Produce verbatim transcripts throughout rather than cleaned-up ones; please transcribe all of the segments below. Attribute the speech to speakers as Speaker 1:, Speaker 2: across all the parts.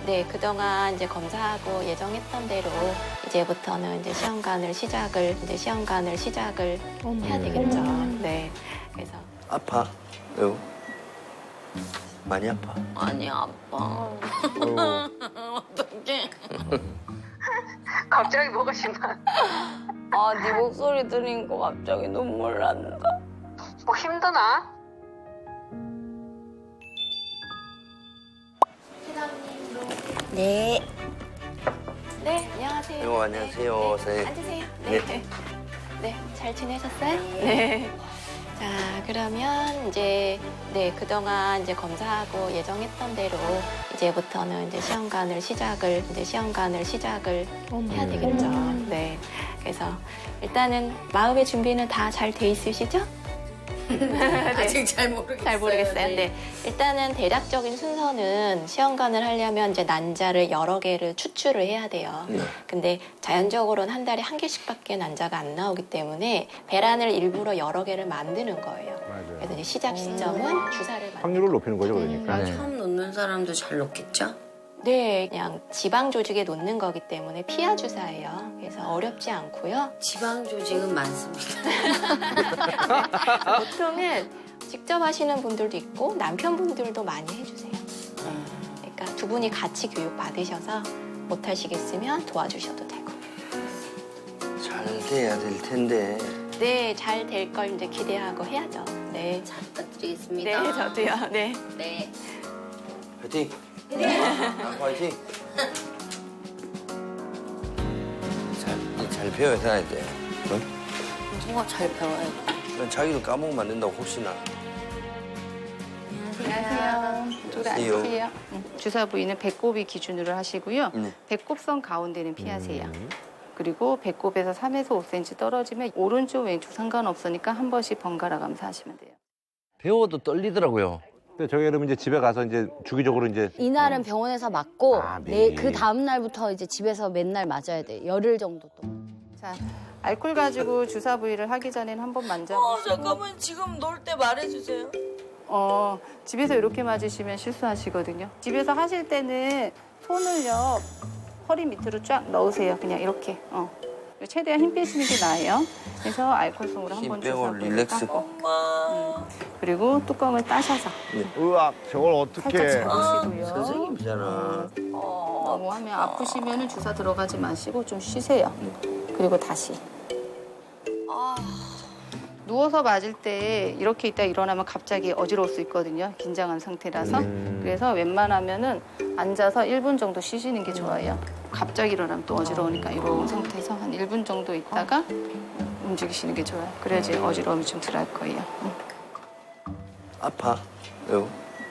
Speaker 1: 네, 그동안 이제 검사하고 예정했던 대로 이제부터는 이제 시험관을 시작을 이제 시험관을 시작을 해야 되겠죠. 네, 그래서
Speaker 2: 아파? 왜요? 많이 아파?
Speaker 3: 아니 아빠. 어떡해.
Speaker 4: 갑자기 뭐가 심한?
Speaker 3: 아, 네 목소리 들으니까 갑자기 눈물 난다.
Speaker 4: 뭐 힘드나?
Speaker 3: 네.
Speaker 1: 네, 안녕하세요.
Speaker 2: 아이고, 안녕하세요,
Speaker 1: 네,
Speaker 2: 선생님.
Speaker 1: 네, 앉으세요. 네, 네. 네, 잘 지내셨어요? 네. 자, 그러면 이제 네, 그동안 이제 검사하고 예정했던 대로 이제부터는 이제 시험관을 시작을 이제 시험관을 시작을 해야 되겠죠. 네. 그래서 일단은 마음의 준비는 다 잘 돼 있으시죠?
Speaker 3: 아직 잘 모르겠어요.
Speaker 1: 잘 모르겠어요. 네. 일단은 대략적인 순서는 시험관을 하려면 이제 난자를 여러 개를 추출을 해야 돼요.
Speaker 2: 네.
Speaker 1: 근데 자연적으로는 한 달에 한 개씩밖에 난자가 안 나오기 때문에 배란을 일부러 여러 개를 만드는 거예요.
Speaker 5: 맞아요.
Speaker 1: 그래서 이제 시작 시점은 주사를 만드는
Speaker 5: 확률을 높이는 거죠, 그러니까.
Speaker 2: 네.
Speaker 3: 처음 놓는 사람도 잘 놓겠죠?
Speaker 1: 네, 그냥 지방 조직에 놓는 거기 때문에 피하 주사예요. 그래서 어렵지 않고요.
Speaker 3: 지방 조직은 많습니다.
Speaker 1: 보통은 직접 하시는 분들도 있고 남편분들도 많이 해주세요. 그러니까 두 분이 같이 교육 받으셔서 못 하시겠으면 도와주셔도 되고.
Speaker 2: 잘 돼야 될 텐데.
Speaker 1: 네, 잘 될 걸 이제 기대하고 해야죠. 네.
Speaker 3: 잘 부탁드리겠습니다.
Speaker 1: 네, 저도요. 네.
Speaker 3: 네.
Speaker 2: 화이팅! 네. 화이팅! 잘, 잘 배워야 돼. 응?
Speaker 3: 뭐가 잘 배워야 돼?
Speaker 2: 넌 자기도 까먹으면 안 된다고, 혹시나.
Speaker 6: 안녕하세요. 이쪽으로
Speaker 2: 안녕하세요.
Speaker 6: 앉으세요. 응. 주사 부위는 배꼽이 기준으로 하시고요.
Speaker 2: 네.
Speaker 6: 배꼽선 가운데는 피하세요. 그리고 배꼽에서 삼에서 오 센티미터 떨어지면 오른쪽 왼쪽 상관없으니까 한 번씩 번갈아 가면서 하시면 돼요.
Speaker 2: 배워도 떨리더라고요.
Speaker 5: 근데 저희 여러분 이제 집에 가서 이제 주기적으로 이제
Speaker 7: 이날은 병원에서 맞고
Speaker 5: 아,
Speaker 7: 내
Speaker 5: 매일.
Speaker 7: 그 다음 날부터 이제 집에서 맨날 맞아야 돼. 열흘 정도 동안.
Speaker 6: 자, 알코올 가지고 주사 부위를 하기 전에는 한 번 만져보시고.
Speaker 3: 어, 잠깐만 지금 놀 때 말해주세요.
Speaker 6: 어, 집에서 이렇게 맞으시면 실수하시거든요. 집에서 하실 때는 손을요 허리 밑으로 쫙 넣으세요. 그냥 이렇게. 어. 최대한 힘 빼시는 게 나아요. 그래서 알코올솜으로
Speaker 2: 힘
Speaker 6: 한번
Speaker 2: 빼고
Speaker 6: 주사
Speaker 2: 릴렉스.
Speaker 3: 엄마.
Speaker 6: 그리고 뚜껑을 따셔서
Speaker 5: 으악, 저걸
Speaker 6: 살짝
Speaker 5: 어떻게.
Speaker 6: 집으시고요.
Speaker 2: 선생님이잖아.
Speaker 6: 너무 하면 아프시면 주사 들어가지 마시고 좀 쉬세요. 그리고 다시. 누워서 맞을 때 이렇게 있다 일어나면 갑자기 어지러울 수 있거든요. 긴장한 상태라서. 그래서 웬만하면은 앉아서 일 분 정도 쉬시는 게 좋아요. 갑자기 일어나면 또 어지러우니까 이런 상태에서 한 일 분 정도 있다가 움직이시는 게 좋아요. 그래야지 어지러움이 좀 덜 할 거예요.
Speaker 2: 아파? 왜요?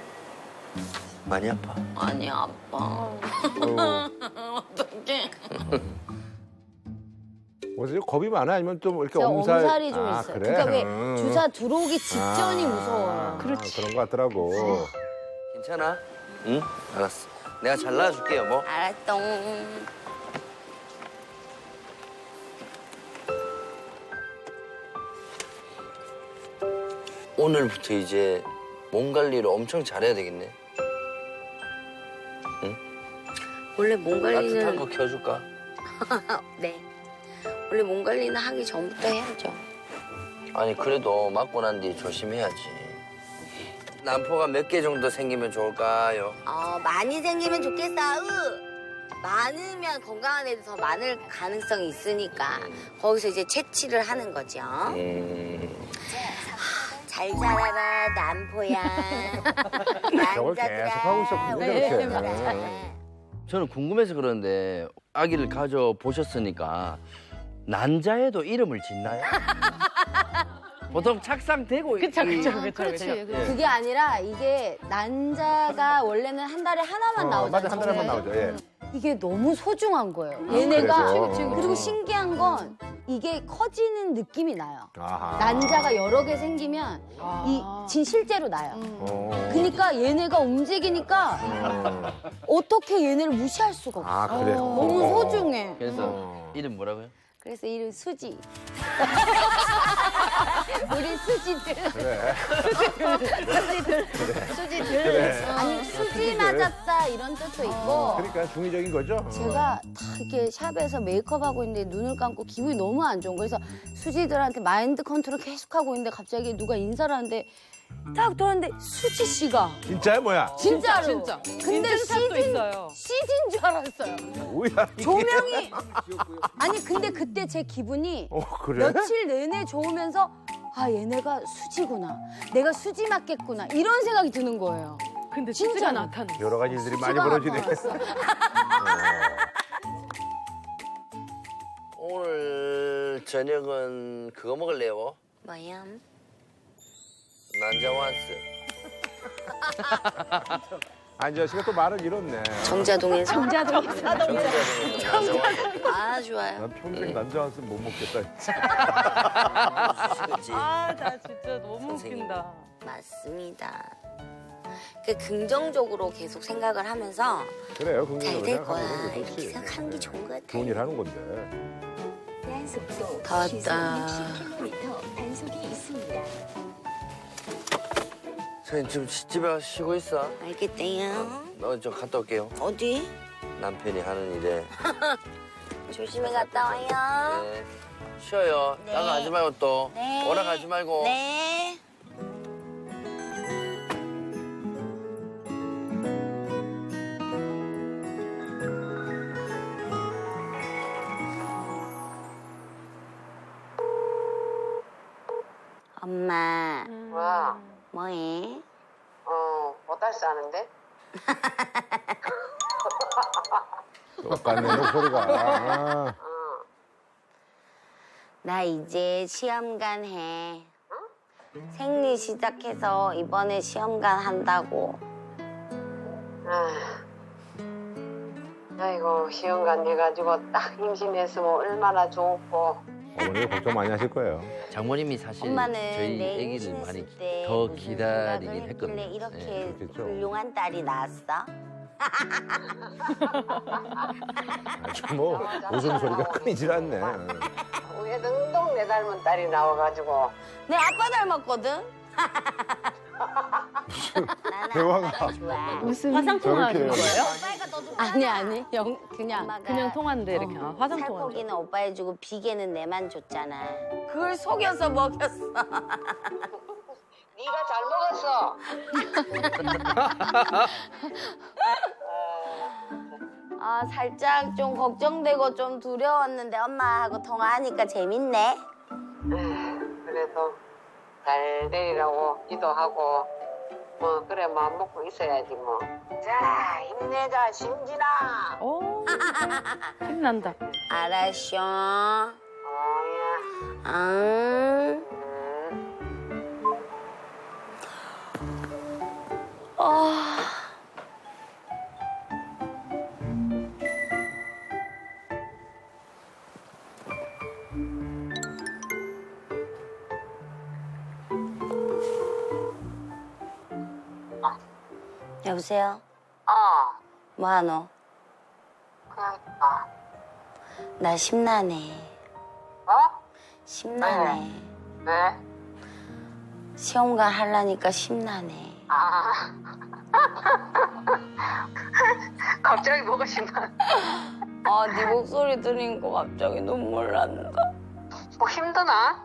Speaker 2: 많이 아파?
Speaker 3: 아니 아빠. 어떡해.
Speaker 5: 어디서 겁이 많아? 아니면 좀 이렇게
Speaker 7: 제가
Speaker 5: 엄살.
Speaker 7: 엄살이 좀
Speaker 5: 아,
Speaker 7: 있어요.
Speaker 5: 그래?
Speaker 7: 그러니까 왜
Speaker 5: 음.
Speaker 7: 주사 들어오기 직전이
Speaker 5: 아,
Speaker 7: 무서워요.
Speaker 5: 그렇지. 그런 거 같더라고.
Speaker 2: 괜찮아? 응? 알았어. 내가 잘 나와줄게요, 뭐.
Speaker 3: 알았똥.
Speaker 2: 오늘부터 이제 몸 관리를 엄청 잘해야 되겠네.
Speaker 3: 원래 몸
Speaker 2: 따뜻한 거
Speaker 3: 관리는
Speaker 2: 켜줄까?
Speaker 3: 네. 원래 몸 관리는 하기 전부터 해야죠.
Speaker 2: 아니, 그래도 맞고 난 뒤 조심해야지. 난포가 몇 개 정도 생기면 좋을까요?
Speaker 3: 어, 많이 생기면 좋겠어. 으. 많으면 건강한 애들 더 많을 가능성이 있으니까 거기서 이제 채취를 하는 거죠.
Speaker 2: 음,
Speaker 3: 잘 자라라 남포야.
Speaker 5: 저걸 계속 하고 있었군요,
Speaker 3: 네,
Speaker 5: 저렇게.
Speaker 3: 맞아요.
Speaker 2: 저는 궁금해서 그러는데 아기를 가져보셨으니까 난자에도 이름을 짓나요? 보통 착상되고 그쵸, 그쵸,
Speaker 7: 아, 그렇지.
Speaker 2: 예.
Speaker 7: 그게 아니라 이게 난자가 원래는 한 달에 하나만
Speaker 5: 어,
Speaker 7: 나오잖아요.
Speaker 5: 맞아, 한 달에 한 번 나오죠. 예.
Speaker 7: 이게 너무 소중한 거예요. 얘네가
Speaker 5: 그래서? 그치, 그치,
Speaker 7: 그리고 신기한 건 이게 커지는 느낌이 나요.
Speaker 5: 아하.
Speaker 7: 난자가 여러 개 생기면 이 진 실제로 나요.
Speaker 5: 어.
Speaker 7: 그러니까 얘네가 움직이니까
Speaker 5: 어.
Speaker 7: 어떻게 얘네를 무시할 수가 없어.
Speaker 5: 아, 그래.
Speaker 7: 너무
Speaker 5: 어.
Speaker 7: 소중해.
Speaker 2: 그래서
Speaker 5: 어.
Speaker 2: 이름 뭐라고요?
Speaker 7: 그래서 이름 수지. 우리 수지들.
Speaker 5: 그래.
Speaker 7: 수지들.
Speaker 5: 그래.
Speaker 7: 아니 수지 맞았다 이런 뜻도 있고.
Speaker 5: 그러니까 중의적인 거죠.
Speaker 7: 제가 다 이렇게 샵에서 메이크업하고 있는데 눈을 감고 기분이 너무 안 좋은 거예요. 그래서 수지들한테 마인드 컨트롤 계속하고 있는데 갑자기 누가 인사를 하는데 딱 돌았는데 수지 씨가
Speaker 5: 진짜야 뭐야?
Speaker 7: 진짜로.
Speaker 8: 진짜.
Speaker 7: 근데
Speaker 8: 인증샷도
Speaker 7: 시즌,
Speaker 8: 있어요.
Speaker 7: 시즌 줄 알았어요.
Speaker 5: 뭐야? 이게.
Speaker 7: 조명이. 아니 근데 그때 제 기분이
Speaker 5: 어 그래?
Speaker 7: 며칠 내내 좋으면서 아 얘네가 수지구나. 내가 수지 맞겠구나. 이런 생각이 드는 거예요.
Speaker 8: 근데
Speaker 7: 진짜로.
Speaker 8: 수지가 나타났어.
Speaker 5: 여러 가지 일들이 많이
Speaker 7: 수지가
Speaker 5: 벌어지네.
Speaker 7: 나타났어.
Speaker 2: 오늘 저녁은 그거 먹을래요?
Speaker 3: 뭐야?
Speaker 2: 난자완스.
Speaker 5: 안지아 씨가 또 말을 잃었네.
Speaker 3: 정자동에서?
Speaker 7: 정자동.
Speaker 2: 정자동에서 난자완스.
Speaker 3: 아 좋아요.
Speaker 5: 난 평생 남자 한숨 못 먹겠다. 진짜.
Speaker 2: 그렇지.
Speaker 8: 아, 나 진짜 너무
Speaker 2: 선생님.
Speaker 8: 웃긴다.
Speaker 3: 맞습니다. 그 긍정적으로 계속 생각을 하면서
Speaker 5: 그래요.
Speaker 3: 잘
Speaker 5: 긍정적으로
Speaker 3: 될 거야
Speaker 5: 생각하는 게
Speaker 3: 이렇게
Speaker 5: 좋지.
Speaker 3: 생각하는 게 좋은 것 같아.
Speaker 5: 좋은 일 하는 건데.
Speaker 3: 다 왔다.
Speaker 2: 선생님 지금 집에 가서 쉬고 있어.
Speaker 3: 알겠대요.
Speaker 2: 너 저 갔다 올게요.
Speaker 3: 어디?
Speaker 2: 남편이 하는 일에.
Speaker 3: 조심히 갔다 와요.
Speaker 2: 네. 쉬어요.
Speaker 3: 네.
Speaker 2: 나가 가지 말고 또.
Speaker 3: 네.
Speaker 2: 오라 가지 말고.
Speaker 3: 네. 엄마,
Speaker 4: 와,
Speaker 3: 뭐해?
Speaker 4: 어, 못할 줄 아는데?
Speaker 5: 똑같네 목소리가. 아,
Speaker 3: 나 이제 시험관 해. 생리 시작해서 이번에 시험관 한다고.
Speaker 4: 아, 아이고, 시험관 해가지고 딱 임신했으면 얼마나 좋고.
Speaker 5: 어머니가 걱정 많이 하실 거예요.
Speaker 2: 장모님이 사실
Speaker 3: 엄마는
Speaker 2: 저희
Speaker 3: 내
Speaker 2: 아기를
Speaker 3: 임신했을
Speaker 2: 많이
Speaker 3: 때
Speaker 2: 더
Speaker 3: 무슨
Speaker 2: 기다리긴
Speaker 3: 생각을
Speaker 2: 했거든요.
Speaker 3: 했길래 이렇게
Speaker 2: 네.
Speaker 5: 그렇겠죠.
Speaker 3: 훌륭한 딸이 나왔어?
Speaker 5: 아주 뭐 웃음소리가 끊이질 않네.
Speaker 4: 위에 등동 내 닮은 딸이 나와가지고.
Speaker 3: 내 아빠 닮았거든? 나는
Speaker 5: 대화가.
Speaker 3: 아빠가 좋아.
Speaker 8: 무슨 화상통화 하는
Speaker 5: 저렇게.
Speaker 8: 거예요?
Speaker 3: 오빠가 더 좋아.
Speaker 7: 아니 아니 영 그냥
Speaker 3: 엄마가
Speaker 8: 그냥 통화인데 이렇게 아, 화상통화.
Speaker 3: 살코기는 오빠 해주고 비계는 내만 줬잖아. 그걸 속여서 먹였어.
Speaker 4: 네가 잘 먹었어.
Speaker 3: 아 살짝 좀 걱정되고 좀 두려웠는데 엄마하고 통화하니까 재밌네.
Speaker 4: 그래도 잘 되리라고 기도하고 뭐 그래 마음 먹고 있어야지 뭐. 자 힘내자 심진아.
Speaker 8: 오, 힘난다.
Speaker 3: 알았쇼.
Speaker 4: 어야.
Speaker 3: 응.
Speaker 4: 음.
Speaker 3: 아. 여보세요?
Speaker 4: 어.
Speaker 3: 뭐하노?
Speaker 4: 그냥 있다.
Speaker 3: 나 심란해.
Speaker 4: 어?
Speaker 3: 심란해.
Speaker 4: 왜?
Speaker 3: 시험관 하려니까 심란해.
Speaker 4: 아. 갑자기 뭐가 심한?
Speaker 3: 아, 네 목소리 들으니까 갑자기 눈물 난다.
Speaker 4: 뭐 힘드나?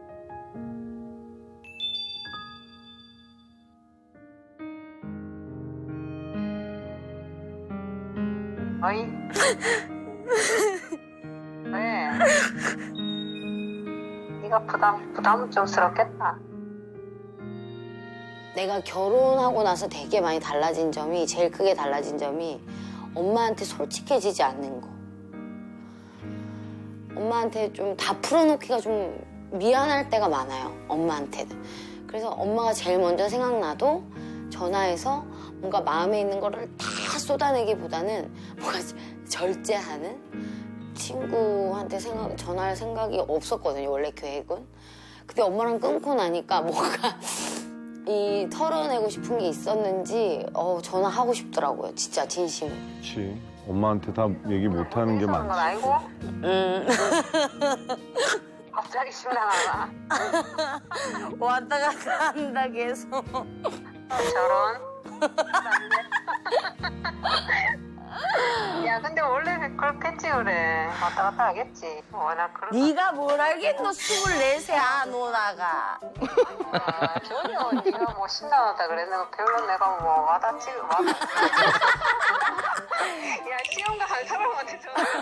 Speaker 4: 어이? 왜? 네가 부담 부담은 좀 스럽겠다.
Speaker 3: 내가 결혼하고 나서 되게 많이 달라진 점이, 제일 크게 달라진 점이 엄마한테 솔직해지지 않는 거. 엄마한테 좀 다 풀어놓기가 좀 미안할 때가 많아요, 엄마한테는. 그래서 엄마가 제일 먼저 생각나도 전화해서 뭔가 마음에 있는 거를 다 쏟아내기보다는 뭔가 절제하는 친구한테 생각, 전화할 생각이 없었거든요, 원래 계획은. 근데 엄마랑 끊고 나니까 뭔가 이 털어내고 싶은 게 있었는지 어, 전화하고 싶더라고요, 진짜 진심으로.
Speaker 9: 그렇지. 엄마한테 다 얘기 못하는 게
Speaker 4: 그런 건
Speaker 9: 많지.
Speaker 4: 알고?
Speaker 3: 음.
Speaker 4: 갑자기 심란하다.
Speaker 7: 왔다 갔다 한다 계속.
Speaker 4: 저런. 야, 근데 원래 그렇겠지 그래. 왔다 갔다 하겠지. 워낙 그런.
Speaker 7: 네가 뭘 알겠노? 스물네세 안 오다가.
Speaker 4: 아, 전혀 네가 뭐 신나하다 그랬는데 별로 내가 뭐 와닿지 와닿. 야, 시험가 한 사람한테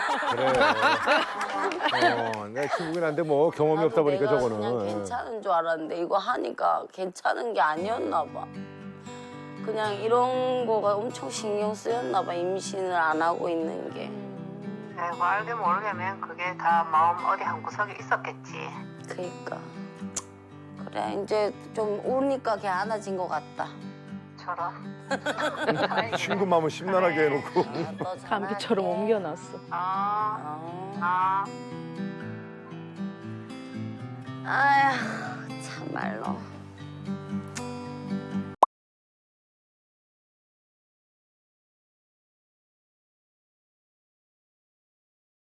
Speaker 4: 전화.
Speaker 5: 그래. 어, 내 친구긴 한데 뭐 경험이 없다 보니까
Speaker 7: 내가
Speaker 5: 저거는.
Speaker 7: 그냥 괜찮은 줄 알았는데 이거 하니까 괜찮은 게 아니었나 봐. 그냥 이런 거가 엄청 신경 쓰였나 봐. 임신을 안 하고 있는 게.
Speaker 4: 아이고, 알게 모르게면 그게 다 마음 어디 한 구석에 있었겠지.
Speaker 7: 그러니까 그래 이제 좀 오니까 괜찮아진 것 같다.
Speaker 4: 저런.
Speaker 5: 친구 마음을 심란하게 해놓고.
Speaker 7: 아, 너
Speaker 8: 감기처럼
Speaker 7: 잘할게.
Speaker 8: 옮겨놨어.
Speaker 4: 아,
Speaker 7: 아,
Speaker 4: 아.
Speaker 7: 아휴 참말로.